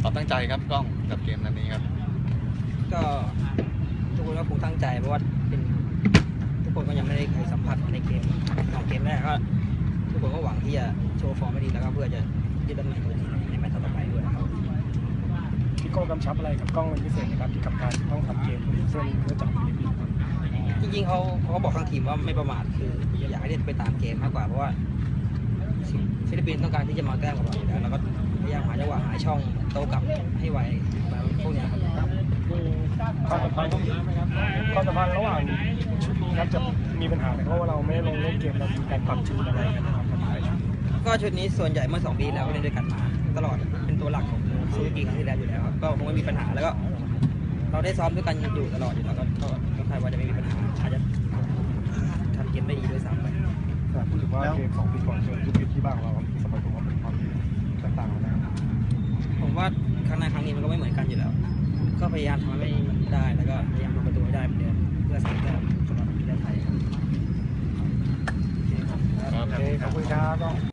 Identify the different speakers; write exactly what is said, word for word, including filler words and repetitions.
Speaker 1: ความตั้งใจครับกล้องกับเกมนัดนี้ครับ
Speaker 2: ก็ทุกคนก็คงตั้งใจเพราะว่าเป็นทุกคนก็ยังไม่ได้เคยสัมผัสในเกมสองเกมแรกก็ทุกคนก็หวังที่จะโชว์ฟอร์มไม่ดีแล้วก็เพื่อจะยึดตำแหน่งตัวนี้ในแมตช์ต่อไปด้วยครับ
Speaker 3: พี่โก้กำชับอะไรกับกล้องเป็นพิเศษนะครับที่กับการต้องทำเกมเส้นเพื่อจับฟิลิปปินส์
Speaker 2: จริงๆเขาเขาก็บอกทั้งทีมว่าไม่ประมาทคืออยากให้เล่นไปตามเกมมากกว่าเพราะว่าฟิลิปปินส์ต้องการที่จะมาแก้กับเราอยู่แล้วแล้วก็พยายามหาจังหวะหาช่องโต้กลับให้ไวแบบพวกนี้ครับ
Speaker 3: ความสัมพันธ์ความสัมพันธ์ระหว่างชุดนี้ครับจะมีปัญหาไหมเพราะว่าเราไม่ลงเล่นเกมเรามีการปรับจูนอะไรกันนะครับ
Speaker 2: ก็ชุดนี้ส่วนใหญ่เมื่อสองปีแล้วก็เล่นด้วยกันมาตลอดเป็นตัวหลักของซูซูกิครั้งที่แล้วอยู่แล้วครับก็คงไม่มีปัญหาแล้วก็เราได้ซ้อมด้วยกันอยู่ตลอดอยู่แล้วก็ก็คาดว่าจะไม่มีปัญหาอาจจะทำเกมได้ดีด้วยซ้ำไป
Speaker 3: พูดถึงว่าเกมสองปีก่อนเจอยุคที่บ้างเราสมัยผมว่าเป็นความแตกต่างกันนะครับ
Speaker 2: ผมว่าครั้งหน้าครั้งนี้มันก็ไม่เหมือนกันอยู่แล้วก็พยายามทำให้มันได้แล้วก็พยายามทำประตูให้ได้เหมือนเดิมเพื่อสร้างแต้มสำหรับประเทศไทยครับ
Speaker 3: โอเคขอบคุณครับ